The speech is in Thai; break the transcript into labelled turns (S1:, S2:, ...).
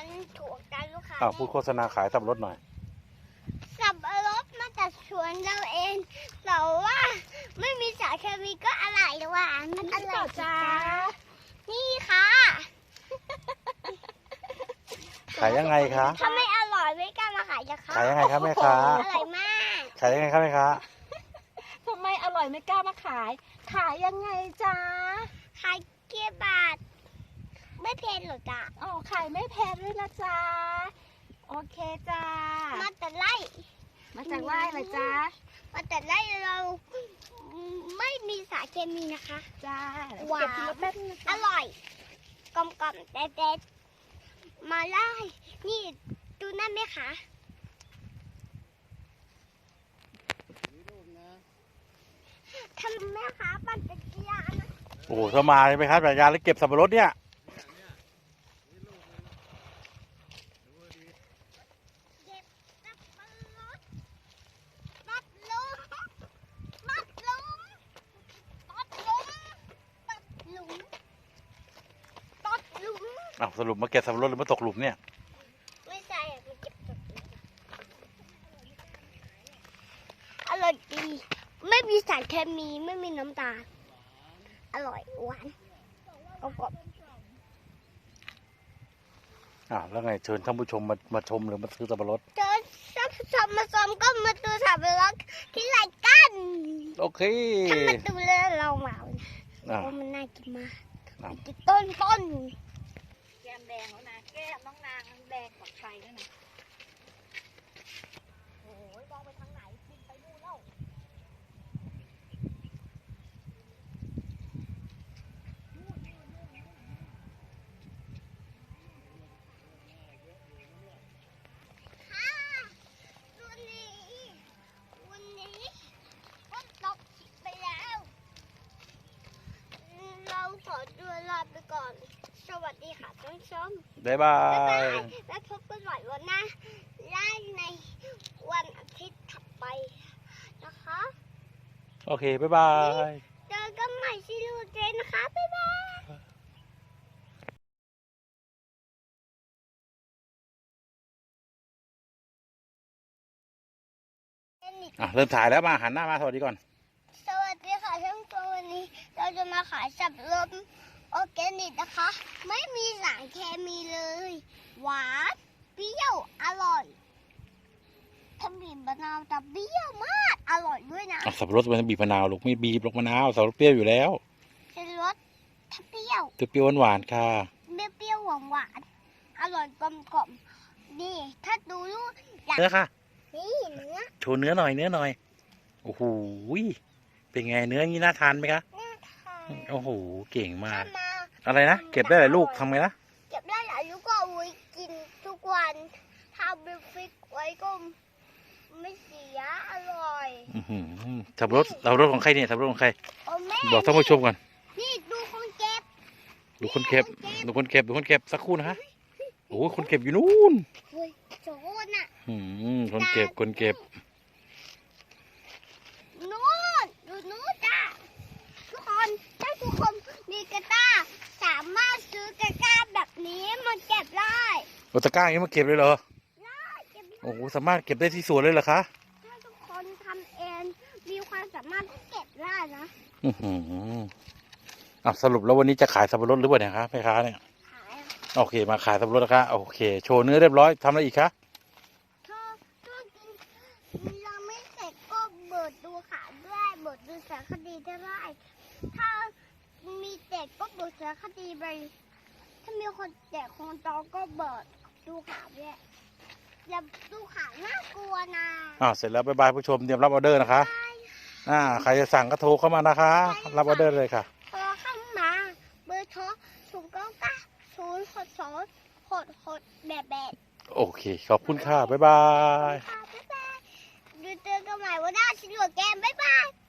S1: มันถูกใจลูกค้า
S2: พูดโฆษณาขายสับปะรดหน่อย
S1: สับปะรดมาจากสวนเราเองแต่ว่าไม่มีสารเคมีก็อร่อยหวานมันอร่อยจ้านี่ค่ะ
S2: ขายยังไงคะ
S1: ถ้าไม่อร่อยไม่กล้ามาขายจะค่ะ
S2: ขายยังไงครับแม่ค้า
S1: อร่อยมาก
S2: ขายยังไงครับแม่ค้า
S3: ทำไมอร่อยไม่กล้ามาขาย ขายยังไงจ๊ะ
S1: ขายเกี๊ยวบาทไม่เพลนหรอกจ้า
S3: อ๋อขายไม่แพงด้วยนะจ๊ะ โอเคจ้า
S1: มาแต่ไล่
S3: มาจากไร่เหรอจ๊ะ
S1: มาแต่ไล่เราไม่มีสารเคมีนะคะ
S3: จ้า
S1: หวาน
S3: เก็บทีละแป๊บนึงนะ
S1: อ
S3: จ๊ะ
S1: ร่อยกลมกล่อมเด็ดๆมาไล่นี่ดูนั่นไหมคะทำแม่ค้าปั่นจักรยานนะ
S2: โอ้โหถ้ามาใช่ไหมครับจักรยานแล้วเก็บสับปะรดเนี่ย
S1: เก็บสับปะรดตัดลุมตัดลุมตัดลุมตัดหลุมตัดหลุม
S2: สรุปมาเก็บสับปะรดหรือมาตกหลุมเนี่ย
S1: ไม่ใช่มันเก็บตัดหลุมอร่อยดีไม่มีสารเคมีไม่มีน้ำตาลอร่อยหวานกรอบ
S2: แล้วไงเชิญท่านผู้ชมมาชมหรือมาซื้อสับปะรด
S1: เจอสับชมมาชมก็มาดูสับปะรดที่ไรกัน
S2: โอเค
S1: ถ้ามาดูแล้วเราเหมานะเพราะมันน่ากินมากกินต้น
S3: แก้มแดงแล้วนะ แก้มน้องนางแดงกว่าใครด้วยนะ โอ้ยมองไปทางไหนกินไปนู่นแล้ว
S1: ค่ะวันนี้ฝนตกไปแล้ว เราขอตัวลาไปก่อน สวัสดีค่ะท่านผู้ชม
S2: บ๊ายบา
S1: บ๊ายบาย
S2: ย
S1: แล้วพบกันใหม่วันหน้าได้ในวันอาทิตย์ถัดไปนะคะ
S2: โอเค บ๊ายบาย
S1: เจอกันใหม่ที่ลูกเจนนะคะ บ๊ายบาย
S2: เริ่มถ่ายแล้วมาหันหน้ามาสวัสดีก่อน
S1: สวัสดีค่ะท่านผู้ชมวันนี้เราจะมาขายสับปะรดออร์แกนิกนะคะ ไม่มีสารเคมีเลย หวานเปรี้ยวอร่อยถ้าบีบมะนาวจะเปรี้ยวมากอร่อยด้วยนะ
S2: สับปะรดมันบีบมะนาวลูกไม่บีบลูกมะนาวสับปะรดเปรี้ยวอยู่แล้ว
S1: เป็นรสถ้าเปรี้ยว
S2: เปรี้ยวหวานๆค่ะ
S1: เปรี้ยวหวานอร่อยกลมกล่อมนี่ถ้าดูลูกอยาก
S2: เนื้อค่ะ
S1: นี่เนื้อ
S2: โชว์เนื้อหน่อยโอ้โหเป็นไงเนื้องี้น่าทานไหมคะ
S1: น่าทาน
S2: โอ้โหเก่งมาก
S1: ถ้ามา
S2: อะไรนะเก็บได้หลายลูกทำไงนะ
S1: เก็บได้หลายลูกก็เอาไว้กินทุกวันถ้าเอาไปฟิกไว้ก็ไม่เสียอร่อย
S2: สับปะรดของใครเนี่ยสับปะรดของใคร
S1: โอ้แม่
S2: บอกท่านผู้ชมก่อน
S1: นี่ดูคนเก็บ
S2: ดูคนเก็บสักครู่นะคะโอ้โหคนเก็บอยู่นู่น
S1: เฮ้ยโจรน่ะ
S2: คนเก็บ
S1: นู่นดูนู่นจ้าทุกคนถ้าทุกคนมีกระต้าสามารถซื้อกระต้าแบบนี้มาเก็บได้
S2: โอตะกร้าอย่างนี้มาเก็บเลยเหรอ
S1: ได้เก็บได้
S2: โอ้โหสามารถเก็บได้ที่สวนเลยเหรอคะ
S1: ถ้าทุกคนทำเองมีความสามารถก็เก็บได้นะ
S2: สรุปแล้ววันนี้จะขายสับปะรดหรือเปล่าเนี่ยคะแม่ค้าเนี่ย
S1: ขาย
S2: โอเคมาขายสับปะรดนะคะโอเคโชว์เนื้อเรียบร้อยทำอะไรอีกคะ
S1: ถ้ากินเราไม่เสร็จก็เบิดดูขาด้วยเบิดดูสารคดีได้ถ้ามีเด็กก็เบิดสารคดีไปถ้ามีคนเด็กคนโตก็เบิดดูขาด้วยอย่าดูขาน่ากลัวนะ
S2: เสร็จแล้วบ๊ายบายผู้ชมเตรียมรับออเดอร์นะคะใครจะสั่งก็โทรเข้ามานะคะ รับออเดอร์เลยค่ะ
S1: พอเข้ามาเบอร์โทร099 062 6แบบ
S2: โอเคขอบคุณค่ะบ๊ายบาย
S1: บ๊ายบายดูเจอกันใหม่วันหน้าชิลล์แกมบ๊ายบาย